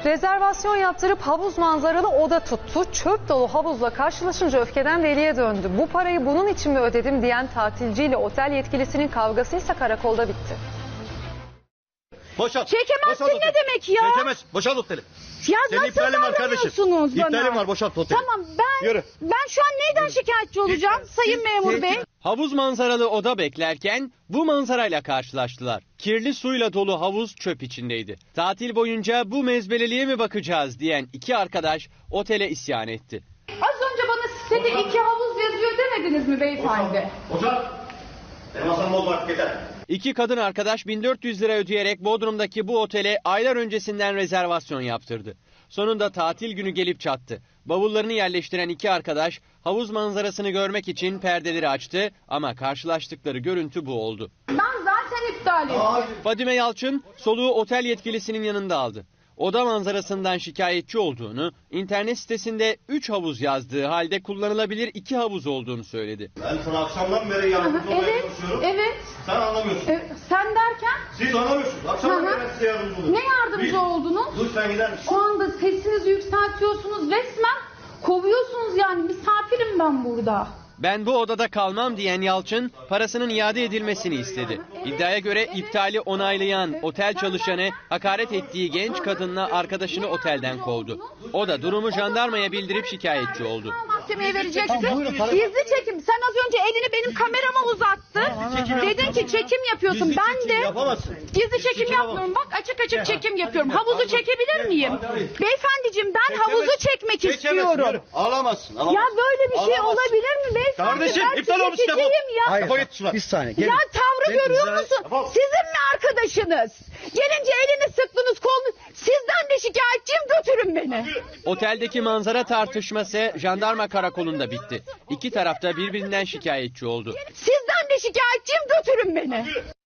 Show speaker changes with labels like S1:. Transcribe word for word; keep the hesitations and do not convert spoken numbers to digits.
S1: Rezervasyon yaptırıp havuz manzaralı oda tuttu. Çöp dolu havuzla karşılaşınca öfkeden deliye döndü. Bu parayı bunun için mi ödedim diyen tatilciyle otel yetkilisinin kavgası ise karakolda bitti.
S2: Boşalt.
S3: Çekemezsin
S2: Boşalt
S3: ne demek ya?
S2: Çekemez. Boşalt oteli.
S3: Ya
S2: Senin
S3: nasıl
S2: iptalin var kardeşim.
S3: davranıyorsunuz bana?
S2: İptalim var, boşalt oteli.
S3: Tamam ben
S2: Yürü.
S3: ben şu an neyden şikayetçi olacağım
S2: Siz-
S3: sayın
S2: siz-
S3: memur
S2: siz-
S3: bey?
S4: Havuz manzaralı oda beklerken bu manzarayla karşılaştılar. Kirli suyla dolu havuz çöp içindeydi. Tatil boyunca bu mezbeleliğe mi bakacağız diyen iki arkadaş otele isyan etti.
S3: Az önce bana sitede iki havuz yazıyor demediniz mi beyefendi?
S2: Boşalt. Benim masamı bozmak yeter.
S4: İki kadın arkadaş bin dört yüz lira ödeyerek Bodrum'daki bu otele aylar öncesinden rezervasyon yaptırdı. Sonunda tatil günü gelip çattı. Bavullarını yerleştiren iki arkadaş havuz manzarasını görmek için perdeleri açtı ama karşılaştıkları görüntü bu oldu.
S3: Ben zaten iptal ettim.
S4: Fadime Yalçın soluğu otel yetkilisinin yanında aldı. Oda manzarasından şikayetçi olduğunu, internet sitesinde üç havuz yazdığı halde kullanılabilir iki havuz olduğunu söyledi.
S2: Ben sana akşamdan beri yardımcı olmaya
S3: Evet,
S2: çalışıyorum.
S3: evet.
S2: Sen anlamıyorsun.
S3: E, sen derken
S2: Siz anlamıyorsunuz. Akşamdan
S3: Hı hı.
S2: beri ben size yardımcı oluyorum.
S3: ne yardımcı
S2: Bir-
S3: oldunuz?
S2: Dur sen gider misin?
S3: Şu anda sesinizi yükseltiyorsunuz resmen kovuyorsunuz yani misafirim ben burada.
S4: Ben bu odada kalmam diyen Yalçın parasının iade edilmesini istedi. İddiaya göre iptali onaylayan otel çalışanı hakaret ettiği genç kadınla arkadaşını otelden kovdu. O da durumu jandarmaya bildirip şikayetçi oldu.
S3: Mahkemeye vereceksin. Gizli çekim. Sen az önce elini benim kamerama uzattın. Dedin ki çekim yapıyorsun.
S2: Gizli
S3: Ben
S2: çekim
S3: de
S2: yapamazsın.
S3: gizli çekim yapmıyorum. Bak açık açık çekim yapıyorum. Havuzu çekebilir miyim? Beyefendiciğim ben havuzu çekmek
S2: Çekemezsin,
S3: istiyorum.
S2: yürü. Ağlamazsın.
S3: Ya
S2: ağlamazsın.
S3: böyle bir şey
S2: Ağlamazsın.
S3: olabilir mi beyefendi?
S2: Kardeşim,
S3: Ben
S2: iptal
S3: size
S2: olmuş, defol.
S3: çekeyim ya.
S2: Hayır. Defol git şuradan.
S5: Bir saniye. Gelin.
S3: Ya tavrı
S5: Gelin,
S3: görüyor
S5: güzel.
S3: musun?
S2: Defol.
S3: Sizin mi arkadaşınız? Gelince elini sıktınız kolunu. Sizden de şikayetçiyim, götürün beni.
S4: Oteldeki manzara tartışması jandarma karakolunda bitti. İki taraf da birbirinden şikayetçi oldu.
S3: Sizden de şikayetçiyim, götürün beni.